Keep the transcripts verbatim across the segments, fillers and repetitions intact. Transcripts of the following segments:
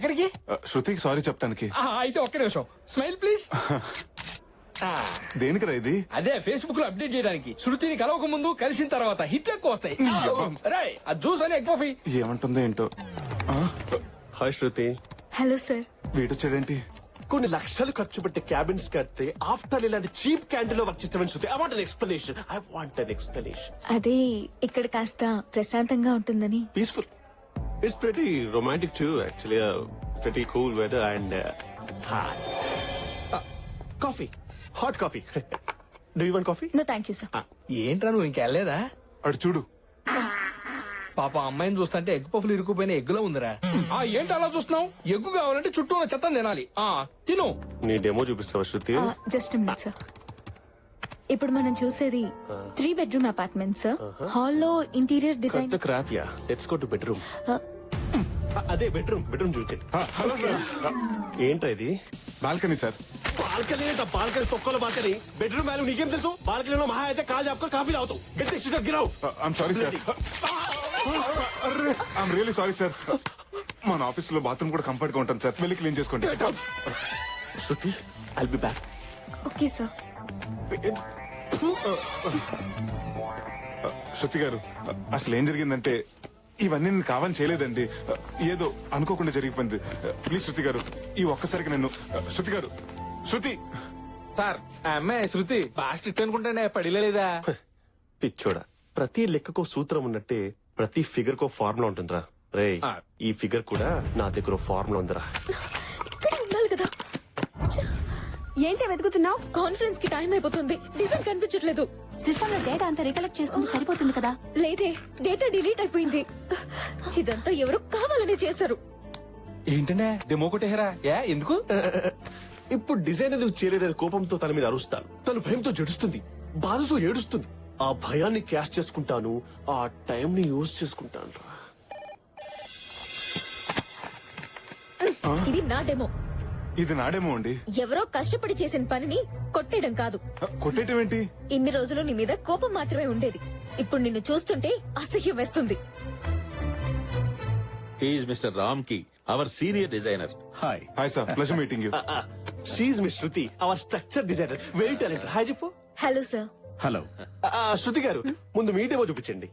ఎక్కడికి? శృతికి సారీ చెప్తానికి. అయితే ఒక్క నిమిషం స్మైల్ ప్లీజ్. దేనికిరా ఇది? అదే ఫేస్బుక్ లో అప్డేట్ చేయడానికి. శృతిని కలవక ముందు కలిసిన తర్వాత హిట్ ఎక్కువ వస్తాయి. రాయ్ ఆ జ్యూస్ అని ఎగ్ పఫీ. ఏమంటుందో ఏంటో. హాయ్ శృతి. Hello sir. వీడొచ్చాడేంటి? కొన్ని లక్షలు ఖర్చు పెట్టి క్యాబిన్స్ కడితే ఆఫ్టర్ ఇలాంటి చీప్ క్యాంటీన్ లో వర్క్ చేస్తామని Shruti. I want an explanation. I want an explanation. అదే ఇక్కడ కాస్త ప్రశాంతంగా ఉంటుందని. Peaceful. It's pretty romantic too actually. Pretty cool weather and coffee. Hot coffee. Do you want coffee? No thank you sir. ఏంట్రా నువ్వు ఇంకెళ్ళలేదా? అడు చూడు. పాప అమ్మాయిని చూస్తుంటే ఎగ్ పఫ్లు ఇరుక్కుపోయిన ఎగ్గులో ఉందిరా. ఆ ఏంటి అలా చూస్తున్నావు? ఎగ్గు కావాలంటే చుట్టూ ఉన్న చెత్త తినాలి. ఆ తిను. నీ డెమో చూపిస్తావా శృతి? Just minute sir. ఇప్పుడు మనం చూసేది త్రీ బెడ్రూమ్ అపార్ట్మెంట్ సార్. హాల్లో ఇంటీరియర్ డిజైన్. కొత్త crop ya. Let's go to bedroom. అదే బెడ్రూమ్. బెడ్రూమ్ చూపించండి. Hello sir. ఏంట్రా ఇది? Balcony sir. బాల్కనీ ఏంట? బాల్కనీ తొక్కల బాల్కనీ. బెడ్రూమ్ వాల్యూ నీకేం తెలుసు? బాల్కనీలో మహా అయితే కాల్ చెప్పుకో కాఫీ తాగుతావు. గట్టి సిటర్ గిరావు. I'm sorry sir. I'm really sorry sir. మన ఆఫీస్ లో బాత్రూమ్ కూడా కంఫర్ట్ గా ఉంటాను సార్. వెళ్ళి క్లీన్ చేసుకోండి. Shruti I'll be back. Okay sir. Shruti గారు అసలు ఏం జరిగిందంటే ఇవన్నీ నేను కావాలని చేయలేదండి. ఏదో అనుకోకుండా జరిగిపోయింది. ప్లీజ్ శృతి గారు ఈ ఒక్కసారికి నన్ను. శృతి గారు. శృతి సార్ ఆ అమ్మాయి శృతి బాగా స్ట్రిక్ట్ అనుకుంటానే పడిలేదా? పిచ్చోడా, ప్రతి లెక్కకో సూత్రం ఉన్నట్టే ప్రతి ఫిగర్ కో ఫార్ములా ఉంటుందిరా. రే ఈ ఫిగర్ కూడా నా దగ్గర ఫార్ములా ఉందిరా. ఇక్కడ ఉండాలి కదా. ఏంటి వెతుకుతున్నావు? కాన్ఫరెన్స్ కి టైం అయిపోతుంది. డిజైన్ కనిపించట్లేదు. సిస్టమ్ లో డేటా అంతా రికలెక్ట్ చేసుకుంటే సరిపోతుంది కదా. లేదే, డేటా డిలీట్ అయిపోయింది. ఇదంతా ఎవరు కావాలని చేశారు. ఏంటనే డెమో కొట్టేహరా? ఏ ఎందుకు? ఇప్పుడు డిజైన్ ఎందుకు చేయలేదని కోపంతో తన మీద అరుస్తాను. తను భయంతో జడుస్తుంది, బాధతో ఏడుస్తుంది. ఆ భయాన్ని క్యాష్ చేసుకుంటాను, ఆ టైం ని యూజ్ చేసుకుంటాను. ఇది నా డెమో. ఇది నాడేమో అండి. ఎవరో కష్టపడి చేసిన పనిని కొట్టేయడం కాదు. కొట్టేయటం ఏంటి? ఇన్ని రోజులు నీ మీద కోపం మాత్రమే ఉండేది. ఇప్పుడు నిన్ను చూస్తుంటే అసహ్యం వేస్తుంది. He's Mister Ramki, our senior designer. Hi. Hi sir. Pleasure meeting you. She's miss Shruti, our structure designer, very talented. Hi చెప్పు. Hello sir. హలో. శృతి గారు ముందు మీ డెమో చూపించండి.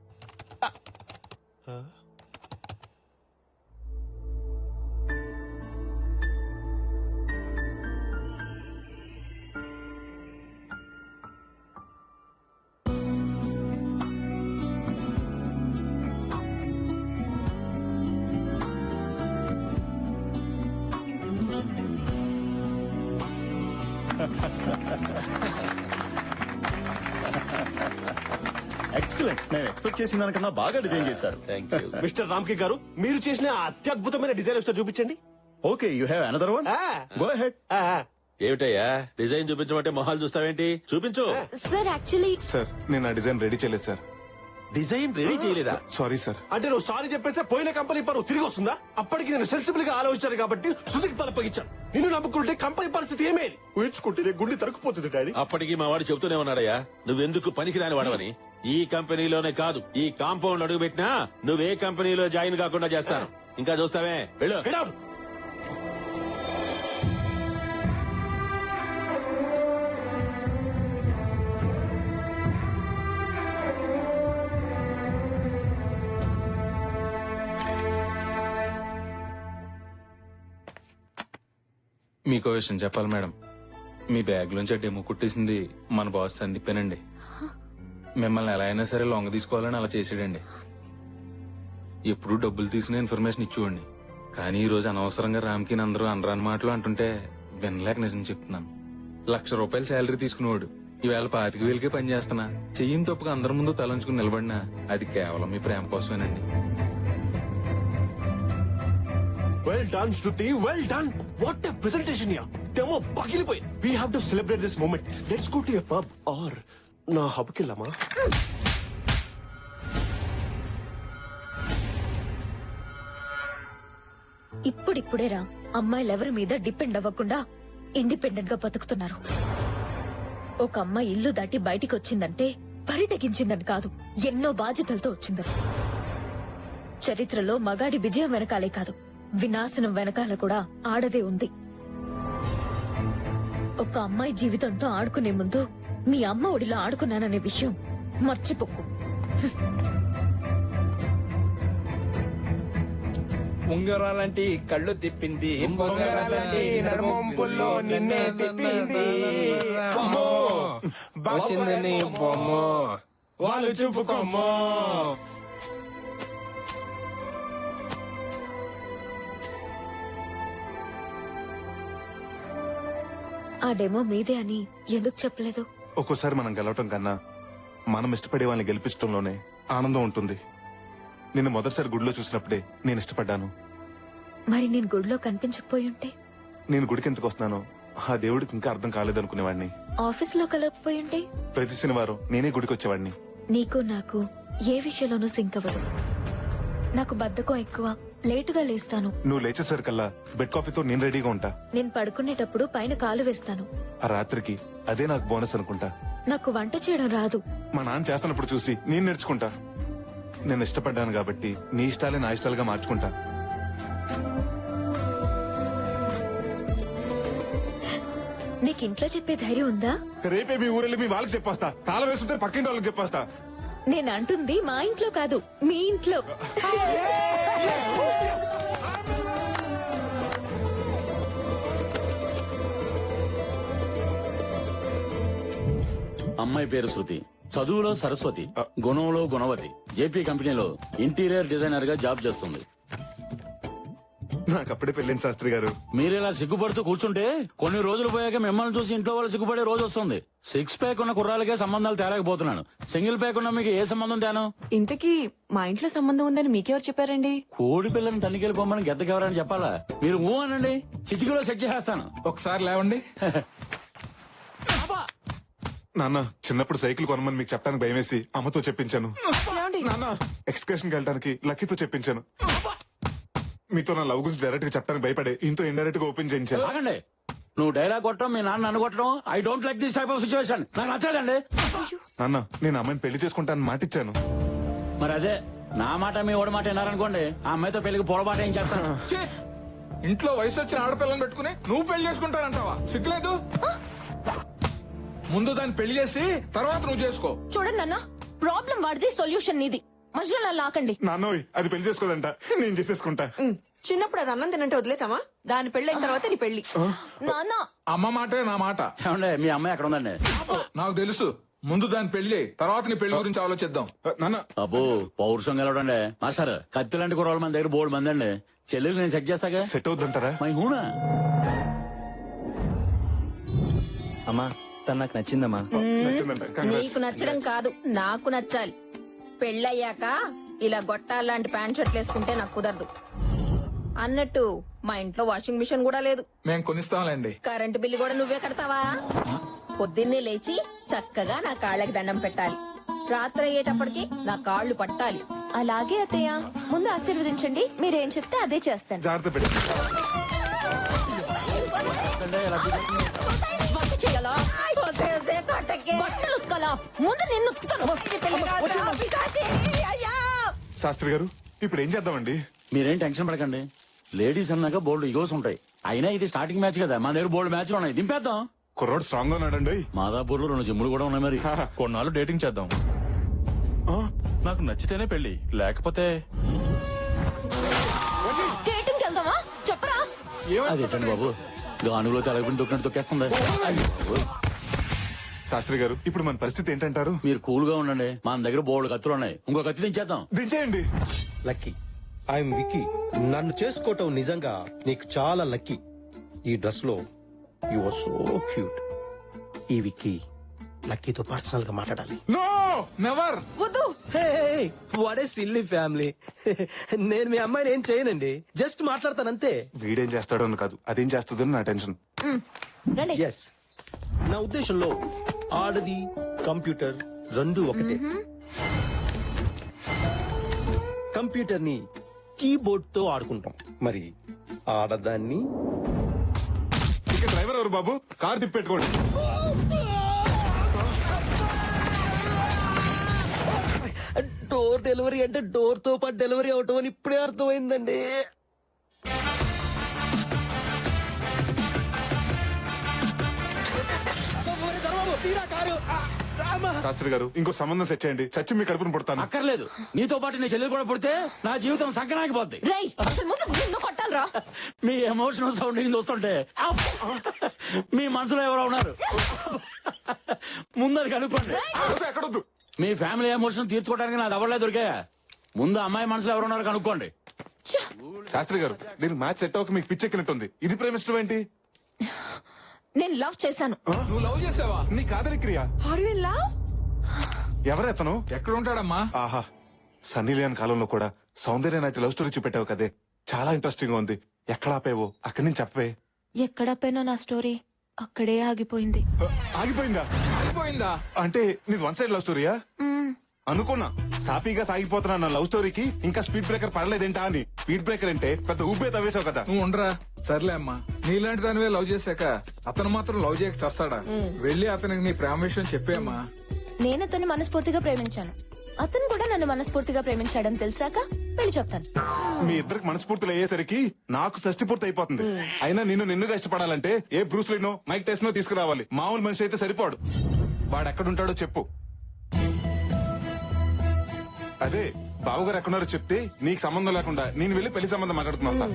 ఎక్సలెంట్. నేను ఎక్స్పెక్ట్ చేసిన దానికన్నా బాగా డిజైన్ చేశారు. Thank you. మిస్టర్ రామ్కి గారు, మీరు చేసిన ఆ అత్యద్భుతమైన డిజైన్ ఒకసారి చూపించండి. Okay, you have another one. Go ahead. ఏమిటయ్యా డిజైన్ చూపించమంటే మొహాలు చూస్తావేంటి? చూపించు. సార్ యాక్చువల్లీ సార్ నేను ఆ డిజైన్ రెడీ చేయలేదు సార్. డిజైన్ రెడీ చేయలేదా? Sorry sir. అంటే నువ్వు సారీ చెప్పేస్తే పోయిన కంపెనీ పరువు తిరిగి వస్తుందా? అప్పటికి నేను సెన్సిబుల్ గా ఆలోచించాను కాబట్టి శృతికి పలపగించాను. నిన్ను నమ్ముకుంటే కంపెనీ పరిస్థితి ఏమేది? ఊహించుకుంటే గుండె తరుక్కుపోతుంది డాడీ. అప్పటికి మా వాడు చెబుతూనే ఉన్నాడయ్యా, నువ్వెందుకు పనికిరాని వాడవని. ఈ కంపెనీలోనే కాదు, ఈ కాంపౌండ్ అడుగు పెట్టినా నువ్వే కంపెనీలో జాయిన్ కాకుండా చేస్తాను. ఇంకా చూస్తావే, వెళ్ళు. Get out. మీకో విషయం చెప్పాలి మేడం. మీ బ్యాగ్ నుంచి డెమో కుట్టేసింది మన బాస్ సందీపేనండి. మిమ్మల్ని ఎలా అయినా సరే లొంగ తీసుకోవాలని అలా చేసాడండి. ఎప్పుడు డబ్బులు తీసుకునే ఇన్ఫర్మేషన్ ఇచ్చేవాడిని. కానీ ఈ రోజు అనవసరంగా రామ్కి అందరూ అనరాని మాటలు అంటుంటే వినలేక నిజం చెప్తున్నాను. లక్ష రూపాయలు శాలరీ తీసుకునేవాడు ఈవేళ పాతిక వేలకే పని చేస్తున్నా. చెయ్యిని తప్పుగా అందరి ముందు తలంచుకుని నిలబడినా అది కేవలం మీ ప్రేమ కోసమేనండి. Well done, Shruti. Well done. What a presentation here. Demo పగిలిపోయింది. We have to celebrate this moment. Let's go to a pub or నా హబ్ కి వెళ్దామా? ఇప్పుడిప్పుడేరా అమ్మాయిలెవరి మీద డిపెండ్ అవ్వకుండా ఇండిపెండెంట్ గా బతుకుతున్నారు. ఒక అమ్మాయి ఇల్లు దాటి బయటికి వచ్చిందంటే పరి తెగించిందని కాదు, ఎన్నో బాధ్యతలతో వచ్చిందని. చరిత్రలో మగాడి విజయం వెనకాలే కాదు, వినాశనం వెనకాల కూడా ఆడదే ఉంది. ఒక అమ్మాయి జీవితంతో ఆడుకునే ముందు మీ అమ్మ ఒడిలో ఆడుకున్నాననే విషయం మర్చిపోకు. ఉంగరాలంటి కళ్ళు తిప్పింది, ఉంగరాలంటి నడుమొంపుల్లో నిన్నే తిప్పింది. అమ్మో, వచ్చింది నీ బొమ్మ, వాళ్ళు చూపుకోమ్మో. ఆ డెమో మీదే అని ఎందుకు చెప్పలేదు? ఒక్కోసారి మనం గెలవటం కన్నా మనం ఇష్టపడే వాళ్ళని గెలిపించడంలోనే ఆనందం ఉంటుంది. నిన్ను మొదటిసారి గుడిలో చూసినప్పుడే నేను ఇష్టపడ్డాను. మరి నేను గుడిలో కనిపించకపోయి ఉంటే? నేను గుడికి ఎందుకు వస్తున్నానో ఆ దేవుడికి ఇంకా అర్థం కాలేదనుకునేవాడిని. ఆఫీస్ లో కలగకపోయి ఉంటే? ప్రతి శనివారం నేనే గుడికి వచ్చేవాడిని. నీకు నాకు ఏ విషయంలోనూ సింక్ అవ్వదు. నాకు బద్ధకం ఎక్కువ, లేటుగా లేస్తాను. నువ్వు లేచేసరికల్లా బెడ్ కాఫీతో నేను రెడీగా ఉంటా. నేను పడుకునేటప్పుడు పైన కాలు వేస్తాను. ఆ రాత్రికి అదే నాకు బోనస్ అనుకుంటా. నాకు వంట చేయడం రాదు. మా నాన్న చేస్తున్నప్పుడు చూసి నేను నేర్చుకుంటా. నేను ఇష్టపడ్డాను కాబట్టి నీ ఇష్టాలే నా ఇష్టాలుగా మార్చుకుంటా. నీకు ఇంట్లో చెప్పే ధైర్యం ఉందా? రేపే మీ ఊరెళ్ళి మీ వాళ్ళకి చెప్పేస్తా. తాళం వేస్తుంటే పక్కింటి వాళ్ళకి చెప్పేస్తా. నేను అంటుంది మా ఇంట్లో కాదు, మీ ఇంట్లో. అమ్మాయి పేరు శృతి, చదువులో సరస్వతి, గుణంలో గుణవతి. జేపీ కంపెనీలో ఇంటీరియర్ డిజైనర్ గా జాబ్ చేస్తుంది. నాకు అప్పుడే పెళ్ళింది శాస్త్రి గారు. మీరు ఇలా సిగ్గుపడుతూ కూర్చుంటే కొన్ని రోజులు పోయాక మిమ్మల్ని చూసి ఇంట్లో వాళ్ళు సిగ్గుపడే రోజు వస్తుంది. సిక్స్ ప్యాక్ ఉన్న కుర్రాలకే సంబంధాలు తేలేకపోతున్నాను. సింగిల్ ప్యాక్ ఉన్న మీకు ఏ సంబంధం తేను? ఇంతకీ మా ఇంట్లో సంబంధం ఉందని మీకెవరు చెప్పారండి? కోడి పిల్లని తనికెళ్ళిపోమని గెద్దకెవరని చెప్పాలా? మీరు ఊ అనండి, చిటికీలో సెట్ చేసేస్తాను. ఒకసారి లేవండి. నాన్న, చిన్నప్పుడు సైకిల్ కొనమని మీకు చెప్పడానికి భయమేసి అమ్మతో చెప్పించాను. నాన్న, ఎక్స్కర్షన్ కి వెళ్ళడానికి లక్కీతో చెప్పించాను. మీతో నా లవ్ గురించి డైరెక్ట్ గా చెప్పడానికి భయపడే ఇంతో ఇండైరెక్ట్ గా ఓపెన్ చేయించాను. ఆగండి, నువ్వు డైలాగ్ కొట్టడం, మీ నాన్న నన్ను కొట్టడం, I don't like this type of situation. నాకు నచ్చదండి. నాన్న, నేను అమ్మాయిని పెళ్లి చేసుకుంటానని మాటిచ్చాను. మరి అదే నా మాట మీ ఓడి మాట విన్నారనుకోండి, ఆ అమ్మాయితో పెళ్లికి పొరపాటు ఏం చేస్తాను. ఛీ! ఇంట్లో వయసు వచ్చిన ఆడపిల్లని పెట్టుకుని నువ్వు పెళ్లి చేసుకుంటానంటావా? సిగ్గులేదు? ముందు దాన్ని పెళ్లి చేసి తర్వాత నువ్వు చేసుకో. చూడండి నాన్న, ప్రాబ్లం వాడిది, సొల్యూషన్ నీది. మధ్యలో నన్ను లాకండి. నాన్నోయ్, అది పెళ్లి చేసుకోదంట, నేను చేసేసుకుంటా. చిన్నప్పుడు అది అన్నం తినంటే వదిలేసామా? దాని పెళ్ళైన తర్వాత నీ పెళ్లి. నాన్న, అమ్మ మాటే నా మాట. ఏమండి, మీ అమ్మాయి ఎక్కడ ఉందండి? నాకు తెలుసు. ముందు దాని పెళ్లి, తర్వాత నీ పెళ్లి గురించి ఆలోచిద్దాం. నాన్న, అబ్బో, పౌరుషం గెలవడండి. మాస్టర్, కత్తి లాంటి కుర్రాళ్ళు మన దగ్గర బోర్డు మంది అండి. చెల్లెలు నేను సెట్ చేస్తాగా. సెట్ అవుద్దంటారా? మై హూనా? అమ్మా, తను నాకు నచ్చిందమ్మా. నచ్చిందంట. Congrats. నీకు నచ్చడం కాదు, నాకు నచ్చాలి. పెళ్ళయ్యాక ఇలా గొట్టాలాంటి ప్యాంట్ షర్ట్లు వేసుకుంటే నాకు కుదరదు. అన్నట్టు మా ఇంట్లో వాషింగ్ మిషన్ కూడా లేదు. మేం కొనిస్తాంలేండి. కరెంటు బిల్లు కూడా నువ్వే కడతావా? పొద్దున్నే లేచి చక్కగా నా కాళ్ళకి దండం పెట్టాలి. రాత్రి అయ్యేటప్పటికి నా కాళ్ళు పట్టాలి. అలాగే అత్తయ్య, ముందు ఆశీర్వదించండి. మీరేం చెప్తే అదే చేస్తాను. జాగ్రత్త పెట్టి. వంట చేయాలా? బట్టలు ఉతకాలా? ముందు నిన్ను ఉతుకుతాను. శాస్త్రి గారు, ఇప్పుడు ఏం చేద్దామండి? మీరేం టెన్షన్ పడకండి. లేడీస్ అన్నాక బోల్డ్ ఈగోస్ ఉంటాయి. అయినా ఇది స్టార్టింగ్ మ్యాచ్ కదా, మా దగ్గర బోల్డ్ మ్యాచ్లు ఉన్నాయి. దింపేద్దాం. కుర్రోడు స్ట్రాంగ్ గా ఉన్నాడండి. మాదాపూర్ లో రెండు జిమ్ములు కూడా ఉన్నాయి. మరి కొన్నాళ్ళు డేటింగ్ చేద్దాం. నాకు నచ్చితేనే పెళ్లి, లేకపోతే డేటింగ్ వెళ్దామా? చెప్పరా? అదేంటండి బాబు, గానుగులో తెలగకుండా తొక్కినట్టు తొక్కేస్తుంది. శాస్త్రి గారు, ఇప్పుడు మన పరిస్థితి ఏంటంటారు? మీరు కూల్ గా ఉండండి. మన దగ్గర బోల్డ్ కత్తులు ఉన్నాయి. ఇంకో కత్తి దించేద్దాం. దించేయండి. లక్కీ, ఐఎమ్ విక్కీ. నన్ను చేసుకోవటం నిజంగా నీకు చాలా లక్కీ. ఈ డ్రెస్ లో యు ఆర్ సో క్యూట్. ఈ విక్కీ లక్కీతో పర్సనల్ గా మాట్లాడాలి. No, never. What a silly family. నేను మీ అమ్మాయిని ఏం చేయనండి, జస్ట్ మాట్లాడతానంతే. వీడేం చేస్తాడో అని కాదు, అదేం చేస్తుందో నా టెన్షన్. రండి. ఎస్, నా ఉద్దేశంలో ఆడది కంప్యూటర్ రెండు ఒకటే. కంప్యూటర్ ని కీబోర్డ్ తో ఆడుకుంటాం, మరి ఆడదాన్ని ఇక డ్రైవర్ ఎవరు బాబు? కార్ తిప్పెట్టుకోండి. డోర్ డెలివరీ అంటే డోర్ తో పాటు డెలివరీ అవటం అని ఇప్పుడే అర్థమైందండి. తీరా కారు ఆ, అమ్మా. శాస్త్రి గారు ఇంకో సంబంధం సెట్ చేయండి చచ్చి మీ కడుపును పుడతాను అక్కర్లేదు నీతో పాటు నీ చెల్లెలు కూడా పుడితే నా జీవితం సంకనానికి పోద్ది. రేయ్ అసలు ముందు నిన్ను కొట్టాలరా. మీ ఎమోషనల్ సౌండింగ్ చూస్తుంటే అబ్బ్! మీ మనసులో ఎవరో ఉన్నారు. ముందర కనుక్కోండి. అసలు ఎక్కడొద్దు మీ ఫ్యామిలీ ఎమోషన్ తీర్చుకోవడానికి నాది ఎవరలే దొరికా. ముందు అమ్మాయి మనసులో ఎవరు ఉన్నారు కనుక్కోండి. శాస్త్రి గారు నేను మ్యాచ్ సెట్ అవ్వక మీకు పిచ్చెక్కినట్టుంది ఇది ప్రేమిష్టం ఏంటి నేను లవ్ చేశాను. నువ్వు లవ్ చేసావా? నీ కాదలి క్రియ ఆర్ యు ఇన్ లవ్? ఎవరెతను ఎక్కడ ఉంటాడమ్మా? ఆహా సన్నీ లియోన్ కాలంలో కూడా సౌందర్య నాటి లవ్ స్టోరీ చూపెట్టావు కదే చాలా ఇంట్రెస్టింగ్ గా ఉంది ఎక్కడ ఆపేవో అక్కడి నుంచి చెప్పవే ఎక్కడ పోయినా నా స్టోరీ అక్కడే ఆగిపోయింది. ఆ, ఆగిపోయిందా అయిపోయిందా? అంటే నీది వన్ సైడ్ లవ్ స్టోరీయా మ్మ్. అనుకున్నా సాఫీగా సాగిపోతున్నా నా లవ్ స్టోరీకి ఇంకా స్పీడ్ బ్రేకర్ పడలేదేంటా అని స్పీడ్ బ్రేకర్ అంటే పెద్ద ఊపే తవ్వేశావు కదా నువ్వు ఉండరా. సర్లే అమ్మా, నీలాంటి దానివే లవ్ చేశాక అతను మాత్రం లవ్ చేయక చస్తాడా? వెళ్ళి అతనికి నీ ప్రేమ విషయం చెప్పేమ్మా. నేను అతన్ని మనస్ఫూర్తిగా ప్రేమించాను. అతను కూడా నన్ను మనస్ఫూర్తిగా ప్రేమించాడని తెలిసాక పెళ్లి చెప్తాను. మీ ఇద్దరికి మనస్ఫూర్తులు అయ్యేసరికి నాకు షష్టి పూర్తి అయిపోతుంది అయినా నిన్ను నిన్నుగా ఇష్టపడాలంటే ఏ బ్రూస్ లీనో మైక్ టెస్నో తీసుకురావాలి మామూలు మనిషి అయితే సరిపోడు వాడు ఎక్కడుంటాడో చెప్పు అదే బావగారు ఎక్కడున్నారో చెప్తే నీకు సంబంధం లేకుండా నేను వెళ్ళి పెళ్లి సంబంధం మాట్లాడుతున్నా వస్తా.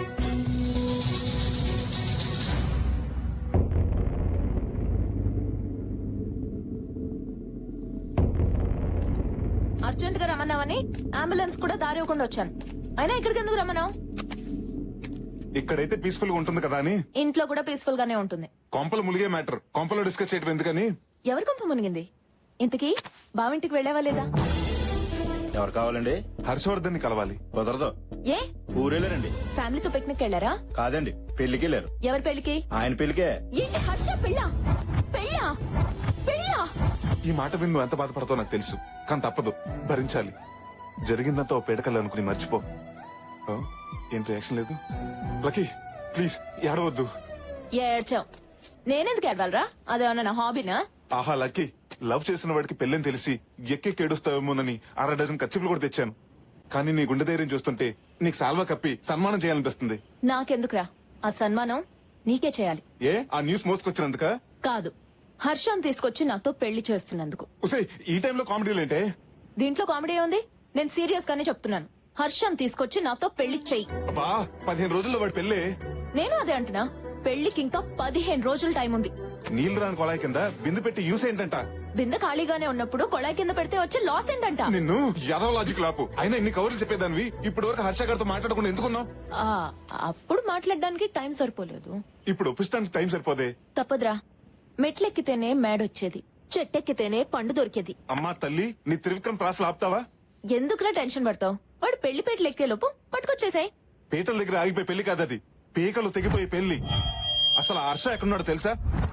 అర్జెంట్ గా రమ్మన్నావని అంబులెన్స్ కూడా దారి ఇవ్వకుండా వచ్చాను. అయినా ఇక్కడికి ఎందుకు రమ్మన్నావు? ఇక్కడైతే పీస్ఫుల్ గా ఉంటుంది కదా అని ఇంట్లో కూడా పీస్ఫుల్ గానే ఉంటుంది. కొంపలు ములిగే మ్యాటర్ కొంపలో డిస్కస్ చేయడం ఎందుకని ఎవరి కొంప మునిగింది? ఇంతకీ బావింటికి వెళ్ళావా లేదా? ఎవరు కావాలండి? హర్షవర్ధన్ ని కలవాలి. కుదరదు. ఏ ఊరేలేరండి. ఫ్యామిలీతో పిక్నిక్ వెళ్ళారా? కాదండి, పెళ్లికి వెళ్ళారు. ఎవరి పెళ్లికి? ఆయన పెళ్లికే. ఏంటి హర్ష పెళ్ళా? పెళ్ళా? పెళ్ళా? ఈ మాట విని నువ్వు ఎంత బాధపడతావు నాకు తెలుసు కానీ తప్పదు భరించాలి జరిగిందంతా ఓ పేడకల్లా అనుకుని మర్చిపో. ఆ, ఏం రియాక్షన్ లేదు లక్కీ ప్లీజ్ ఏడవద్దు. ఏడ్చావు. నేనెందుకు ఏడవాలరా? అదేమన్నా నా హాబీనా? ఆహా లక్కీ లవ్ చేసిన వాడికి పెళ్ళని తెలిసి ఎక్కెక్కి ఏడుస్తావేమోనని అర డజన్ ఖర్చులు కూడా తెచ్చాను కానీ నీ గుండె ధైర్యం చూస్తుంటే నీకు సాల్వా కప్పి సన్మానం చేయాలనిపిస్తుంది. నాకెందుకురా ఆ సన్మానం? నీకే చేయాలి. ఏ ఆ న్యూస్ మోసుకొచ్చినందుక కాదు, హర్షం తీసుకొచ్చి నాతో పెళ్లి చేస్తున్నందుకు. ఉసే ఈ టైంలో కామెడీలు ఏంటే? దీంట్లో కామెడీ ఉంది? నేను సీరియస్ గానే చెప్తున్నాను. హర్షం తీసుకొచ్చి నాతో పెళ్లి చెయ్యి. అబ్బా పదిహేను రోజుల్లో వాడి పెళ్ళే. నేను అదే అంటున్నా. పెళ్లికి ఇంకా పదిహేను రోజులు టైం ఉంది. నీళ్లు రాని కొలాయి కింద బిందు పెట్టి యూస్ ఏంటంట? బిందె ఖాళీగానే ఉన్నప్పుడు కొళాయి కింద పెడితే వచ్చే లాస్ ఏంటంట? నిన్ను యాదవ లాజిక్ లాపు. అయినా ఇన్ని కవర్లు చెప్పేదానివి ఇప్పటి వరకు హర్ష గారితో మాట్లాడకుండా ఎందుకున్నావు? ఆ, అప్పుడు మాట్లాడడానికి టైం సరిపోలేదు. ఇప్పుడు ఒప్పిస్తానికి టైం సరిపోదే. తప్పదురా. మెట్లెక్కితేనే మేడొచ్చేది, చెట్టెక్కితేనే పండు దొరికేది. అమ్మా తల్లి నీ త్రివిక్రమ్ ప్రాసలు ఆపుతావా? ఎందుకురా టెన్షన్ పడతావు? వాడు పెళ్లి పేటలు ఎక్కే లోపు పట్టుకొచ్చేసాయి. పీటల దగ్గర ఆగిపోయి పెళ్లి కాదది, పీకలు తెగిపోయి పెళ్లి. అసలు ఆ హర్ష ఎక్కడున్నాడో తెలుసా?